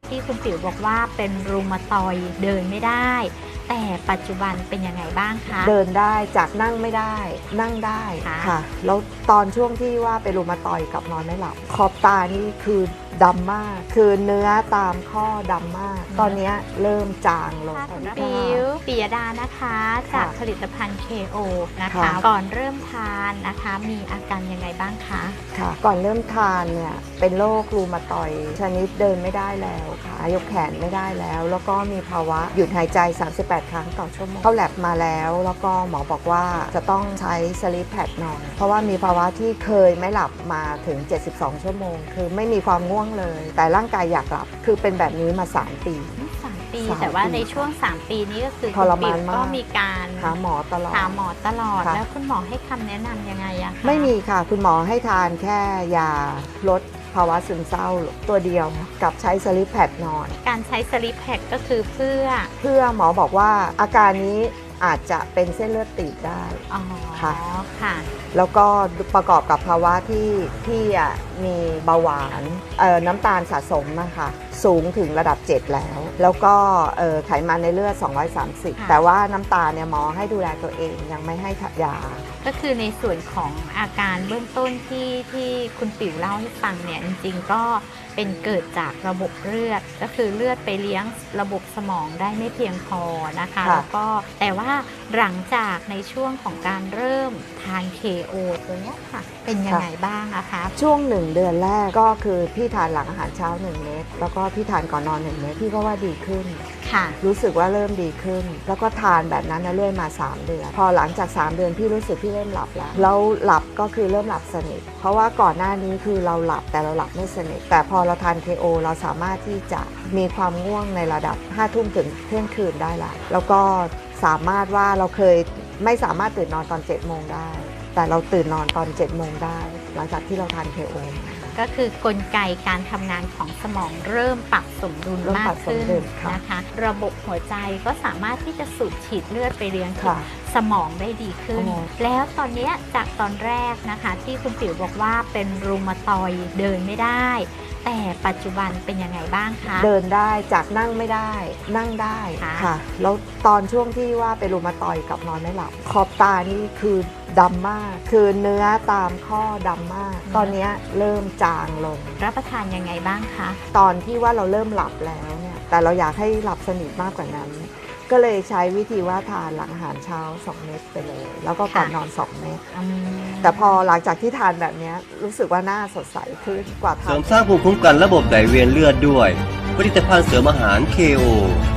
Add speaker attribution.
Speaker 1: ที่คุณติ๋วบอกว่าเป็นรูมาตอยด์เดินไม่ได้แต่ปัจจุบันเป็นยังไงบ้างคะ
Speaker 2: เดินได้จากนั่งไม่ได้นั่งได้ค่ะแล้วตอนช่วงที่ว่าเป็นรูมาตอยด์กับนอนไม่หลับขอบตานี่คือดำมากคือเนื้อตามข้อดำมากตอนนี้เริ่มจางลง
Speaker 1: ปิยดานะคะจากผลิตภัณฑ์ KO นะคะก่อนเริ่มทานนะคะมีอาการยังไงบ้างคะ
Speaker 2: ค่ะก่อนเริ่มทานเนี่ยเป็นโรครูมาตอยด์ชนิดเดินไม่ได้แล้วค่ะยกแขนไม่ได้แล้วก็มีภาวะหยุดหายใจ38 ครั้งต่อชั่วโมงเข้าแลบมาแล้วก็หมอบอกว่าจะต้องใช้สลีปแพดนอนเพราะว่ามีภาวะที่เคยไม่หลับมาถึง72 ชั่วโมงคือไม่มีความง่วงเลยแต่ร่างกายอยากหลับคือเป็นแบบนี้มา3 ปี
Speaker 1: แต่ว่าในช่วง3 ปีนี้ก็คือ
Speaker 2: ทรมานมาก
Speaker 1: ก็มีการ
Speaker 2: หาหมอตลอด
Speaker 1: แล้วคุณหมอให้คำแนะนำยังไงอะคะ
Speaker 2: ไม่มีค่ะคุณหมอให้ทานแค่ยาลดภาวะซึมเศร้าตัวเดียวกับใช้สลีปแพดนอน
Speaker 1: การใช้สลีปแพดก็คือเพื่
Speaker 2: อหมอบอกว่าอาการนี้อาจจะเป็นเส้นเลือดตีบได้
Speaker 1: ค่ะ
Speaker 2: แล้วก็ประกอบกับภาวะที่พี่มีเบาหวานน้ำตาลสะสมนะคะสูงถึงระดับ7แล้วก็ไขมันในเลือด230แต่ว่าน้ำตาลเนี่ยหมอให้ดูแลตัวเองยังไม่ให้ยา
Speaker 1: ก็คือในส่วนของอาการเบื้องต้นที่คุณติ๋วเล่าให้ฟังเนี่ยจริงๆก็เป็นเกิดจากระบบเลือดก็คือเลือดไปเลี้ยงระบบสมองได้ไม่เพียงพอนะคะแล้วก็แต่ว่าหลังจากในช่วงของการเริ่มทาน KO ตัวนี้ค่ะเป็นยังไงบ้างนะคะ
Speaker 2: ช่วง1 เดือนแรกก็คือพี่ทานหลังอาหารเช้า1 เม็ดแล้วก็พี่ทานก่อนนอน1 เม็ดพี่ก็ว่าดีขึ้นรู้สึกว่าเริ่มดีขึ้นแล้วก็ทานแบบนั้นเรื่อยมา3 เดือนพอหลังจาก3 เดือนพี่รู้สึกพี่เริ่มหลับแล้วหลับก็คือเริ่มหลับสนิทเพราะว่าก่อนหน้านี้คือเราหลับแต่เราหลับไม่สนิทแต่พอเราทาน KO เราสามารถที่จะมีความง่วงในระดับ5 ทุ่มถึงเที่ยงคืนได้ละแล้วก็สามารถว่าเราเคยไม่สามารถตื่นนอนตอน7 โมงได้แต่เราตื่นนอนตอน7 โมงได้หลังจากที่เราทาน KO
Speaker 1: ก็คือกลไกการทำงานของสมองเริ่มปรับสมดุลมากขึ้นนะคะระบบหัวใจก็สามารถที่จะสูบฉีดเลือดไปเลี้ยงสมองได้ดีขึ้นแล้วตอนนี้จากตอนแรกนะคะที่คุณติ๋วบอกว่าเป็นรูมาตอยด์เดินไม่ได้แต่ปัจจุบันเป็นยังไงบ้างคะ
Speaker 2: เดินได้จากนั่งไม่ได้นั่งได้ค่ะแล้วตอนช่วงที่ว่าเป็นรูมาตอยด์กับนอนไม่หลับขอบตานี่คือดำมากคือเนื้อตามข้อดำมากตอนนี้เริ่มจางลง
Speaker 1: รับประทานยังไงบ้างคะ
Speaker 2: ตอนที่ว่าเราเริ่มหลับแล้วเนี่ยแต่เราอยากให้หลับสนิทมากกว่านั้นก็เลยใช้วิธีว่าทานหลังอาหารเช้า2 เม็ดไปเลยแล้วก็ก่อนนอน2 เม็ดแต่พอหลังจากที่ทานแบบนี้รู้สึกว่าหน้าสดใสขึ้นกว่าทาน
Speaker 3: เสริมสร้างภูมิคุ้มกันระบบไหลเวียนเลือดด้วยผลิตภัณฑ์เสริมอาหาร KO